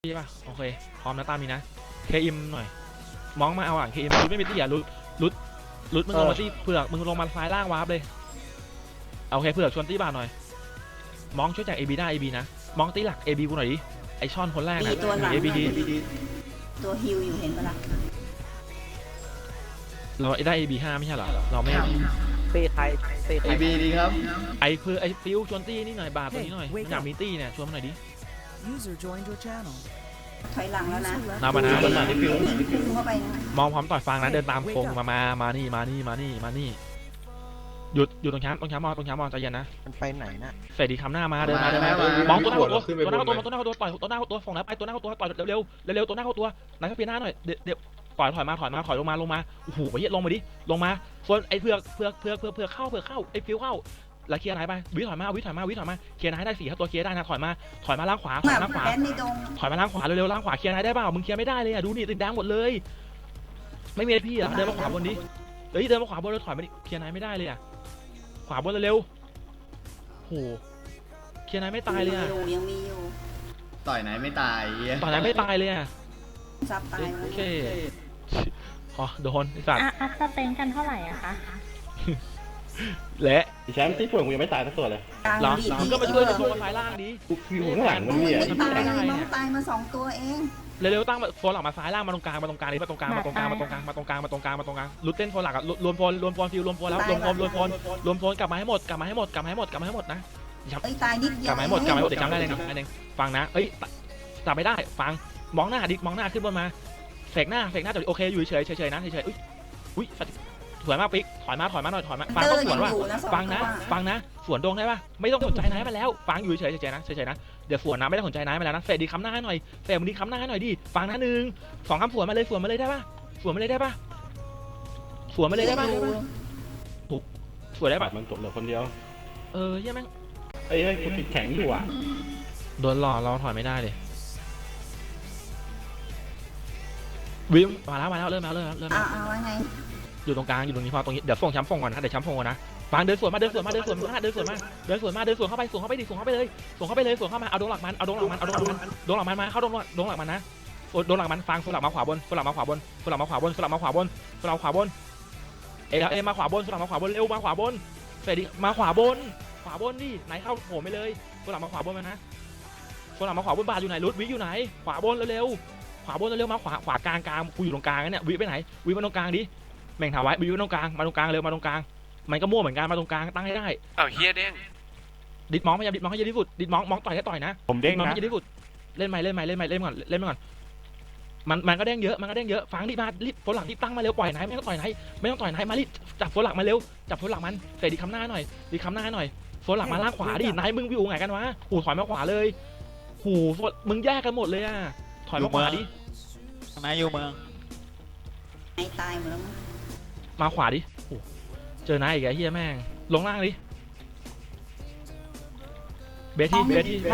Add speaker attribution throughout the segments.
Speaker 1: พี่ป่ะโอเคพร้อมนะตามนี้นะเคอิมหน่อยมองมาเอาหลังเคอิมรุดไม่มีตี้อ่ะรุดมึงลงมาตี้เผือกมึงลงมาซ้ายล่างวาร์ปเลยโอเคเผือกชวนตี้บาทหน่อยมองช่วยจาก AB ได้ AB นะมองตี้หลัก AB กูหน่อยดิไอช่อนคนแรกนะ
Speaker 2: ตัวหลัง
Speaker 1: ABD
Speaker 2: ตัวฮิวอยู่เห็นปะล่ะ
Speaker 1: เราได้ AB 5ไม่ใช่เหรอเราไม่
Speaker 3: เตะไทยเตะไท
Speaker 4: ไอย บีดีครับ
Speaker 1: ไอคือไอฟิวชวนตี้นี่หน่อยบาทตัวนี้หน่อยอยากมีตี้เนี่ยชวนมาหน่อยดิ
Speaker 5: User joined your channel.
Speaker 2: ถอยหลังแล้วนะ
Speaker 1: นาบานะ
Speaker 4: มาที่ฟิว
Speaker 2: พุ่งเข้าไปนะ
Speaker 1: มองพร้อมต่อยฟังนะเดินตามโค้งมานี่หยุดตรงแคมป์มองใจเย็นนะ
Speaker 3: มันไปไหนน่ะ
Speaker 1: เฟรดดี้คำหน้ามาเดินมามองตัวหน้าเข้าตัวต่อยตัวหน้าเข้าตัวฝั่งนั้นไปตัวหน้าเข้าตัวต่อยเร็วตัวหน้าเข้าตัวไหนก็เพียหน้าหน่อยเดี๋ยวถอยมาลงมาโอ้โหไปเหี้ยลงมาดิลงมาส่วนไอ้เผือกเข้าไอ้ฟิวเข้าแล้วเคลียร์ไหนไปวิถอยมาเคลียร์ไหนได้4 ตัวเคลียร์ได้นะถอยมาล่างขวา
Speaker 2: แดนในดง
Speaker 1: ถอยมาล่างขวาเร็วล่างขวาเคลียร์ไหนได้เปล่ามึงเคลียร์ไม่ได้เลยอ่ะดูนี่ติดแดงหมดเลยไม่มีพี่อ่ะเดินมาขวาบนดิเฮ้ยเดินมาขวาบนแล้วถอยมาดิเคลียร์ไหนไม่ได้เลยอ่ะขวาบนเร็วโหเคลียร์ไหนไม่ตายเลยอ่ะ
Speaker 2: ยังมีอยู่
Speaker 4: ต่อยไหนไม่ตาย
Speaker 1: ตอนนั้นไม่ตายเลยอ่ะ
Speaker 2: ซับตาย
Speaker 1: โอเคพอโดนไอ้สัตว์
Speaker 6: อัพสเตนกันเท่าไหร่อะคะ
Speaker 1: และ
Speaker 7: แชมป์ที่เปลือกกูยังไม่ตายสักตัวเลย
Speaker 1: เหรอมึงก็มาช่วยตัวซ้ายล่างดิ
Speaker 7: กูอยู่ข้างหลังมันเนี่ย
Speaker 2: ตายน้องตายมา2 ตัวเอง
Speaker 1: เร็วๆตั้งโฟนหลังมาซ้ายล่างมาตรงกลางดิมาตรงกลางลุดเต้นโฟนหลักอะรวมโฟนฟิวรวมโฟนแล้วรวมโฟนกลับมาให้หมดนะ
Speaker 2: เอ้ยตายนิดเดี
Speaker 1: ก
Speaker 2: ยว
Speaker 1: ลับมาให้หมดเดี๋ยวจำได้เลยนะฟังนะเอ้ยจับไม่ได้ฟังมองหน้าดิมองหน้าขึ้นบนมาเสกหน้าจบโอเคอยู่เฉยนะอุ้ยถอยมาปิ๊กถอยมาหน่อยฟังต้องสวนว่าฟังนะสวนดงได้ป่ะไม่ต้องสนใจนายมาแล้วฟังอยู่เฉยนะเดี๋ยวสวนนะไม่ได้สนใจนายมาแล้วนะเฟรดดีค้ำหน้าให้หน่อยเฟรดมึงดีค้ำหน้าให้หน่อยดิฟังนะ1 2 คำสวนมาเลยได้ป่ะสวนมาเลยได้ป่ะถูกสวนได้ป่ะ
Speaker 7: มันจบเหลือคนเดียว
Speaker 1: เหี้ยแม่ง
Speaker 7: เอ้ยกูติดแข็งอยู่อ่ะ
Speaker 1: โดนหลอกเราถอยไม่ได้เลยวิมมาแล้วเริ่ม
Speaker 2: เอาว่าไง
Speaker 1: อยู่ตรงกลางอยู่ตรงนี้พอตรงนี้เดี๋ยวส่งช้ำฟงก่อนนะเดี๋ยวช้ำฟงก่อนนะฟังเดินสวนเข้าไปดิส่งเข้าไปมาเอาดงหลักมันมาเข้าดงหลักมันนะดงหลักมันฟังสลับมาขวาบนมาขวาบนเอมาขวาบนสลับมาขวาบนเร็วมาขวาบนเฟรดดี้มาขวาบนดิไหนเข้าโผล่ไปเลยสลับมาขวาบนนะสลับมาขวาบนบาอยู่ไหนรุดวิอยู่ไหนขวาบนเร็วมาขวากลางกูอยู่ตรงกลางเนี่ยวิไปไหนวิมาตรงกลางดิแม่งถามไว้วิมาตรงกลางเร็วมาตรงกลางมันก็มั่วเหมือนกันมาตรงกลางตั้งให้ได้
Speaker 8: อ้าวเฮียเด้ง
Speaker 1: ดิดมองพยายามดิดมองให้เยอะที่สุดดิดมองต่อยให้ต่อยนะ
Speaker 7: ผมเด้ง
Speaker 1: มอง
Speaker 7: นะ
Speaker 1: ให้เยอะที่สุดเล่นใหม่ก่อนมันก็เด้งเยอะฟังดิมารีบโฟนหลังรีบตั้งมาเร็วปล่อยไหนไม่ต้องต่อยไหนมารีบจับโฟนหลังมาเร็วจับโฟนหลังมันเฟรดดิคำหน้าหน่อยโฟนหลังมาล่างขวาดินายมึงวิวไงกันวะหูถอยมาขวาเลยหูมึงแยกกันหมดเลยอ่ะถอยมาขวาดิ
Speaker 3: นายอยู่เมือง
Speaker 2: ไอ้ตายหมดแล้ว
Speaker 1: มาขวาดิเจอนายอีกไอ้เฮียแม่งลงล่างดิเบที่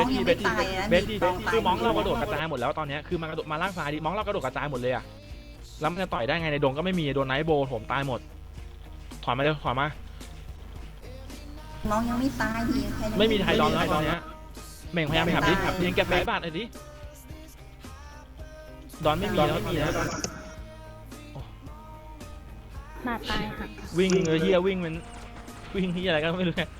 Speaker 1: คือมองเรากระโดดกระจายหมดแล้วตอนนี้คือมันกระโดดมาล่างซ้ายดิมองเรากระโดดกระจายหมดเลยอะแล้วมันจะต่อยได้ไงในดงก็ไม่มีโดนไนท์โบผมตายหมดถอยมาเร็วถอยมา
Speaker 2: น้องยังไม่ตายดี
Speaker 1: ไม่มีไทยดอนแล้วตอนนี้เม่งพยายามไปหับดิเรียนแกะแบะบาดหน่อยดิดอนไม่มีแล้ว
Speaker 6: มาตายค่ะ
Speaker 1: วิ่งเฮียวิ่งมันวิ่งเฮียอะไรก็ไม่รู้เนี่ย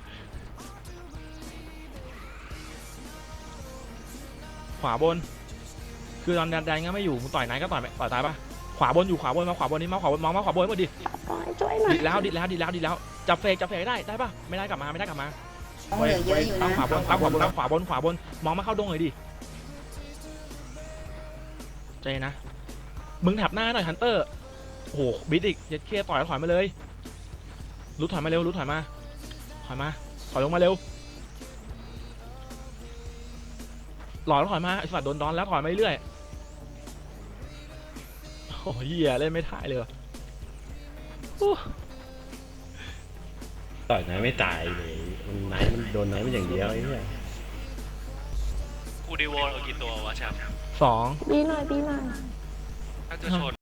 Speaker 1: ขวาบนคือตอนแดงก็ไม่อยู่มึงต่อยไหนก็ต่อยตายปะขวาบนอยู่ขวาบนมาขวาบนนี่มาขวาบนมองมาขวาบนหมดดิดิดแล้วจับเฟกได้ปะไม่ได้กลับมา
Speaker 2: เหลือเยอะอยู่นะ
Speaker 1: ขวาบนมองมาเข้าดงเลยดิใจนะมึงแถบหน้าหน่อยฮันเตอร์โอ้โหบิดอีกยัดเคลียร์ต่อยถอยมาเลยรุดถอยมาเร็วถอยลงมาเร็วหล่อแล้วถอยมาไอ้สัตว์โดนดอนแล้วถอยมาเรื่อยโอ้ยเหี้ยเล่นไม่ถ่ายเลย
Speaker 7: ต่อยไหนไม่ตายเลยมันโดนไหนมันอย่างเดียวไอ้เนี่ย
Speaker 8: กูดีวอลเรากี่ตัววะแชมป์
Speaker 1: 2
Speaker 6: บีหน่อย
Speaker 8: ถ้าจะชน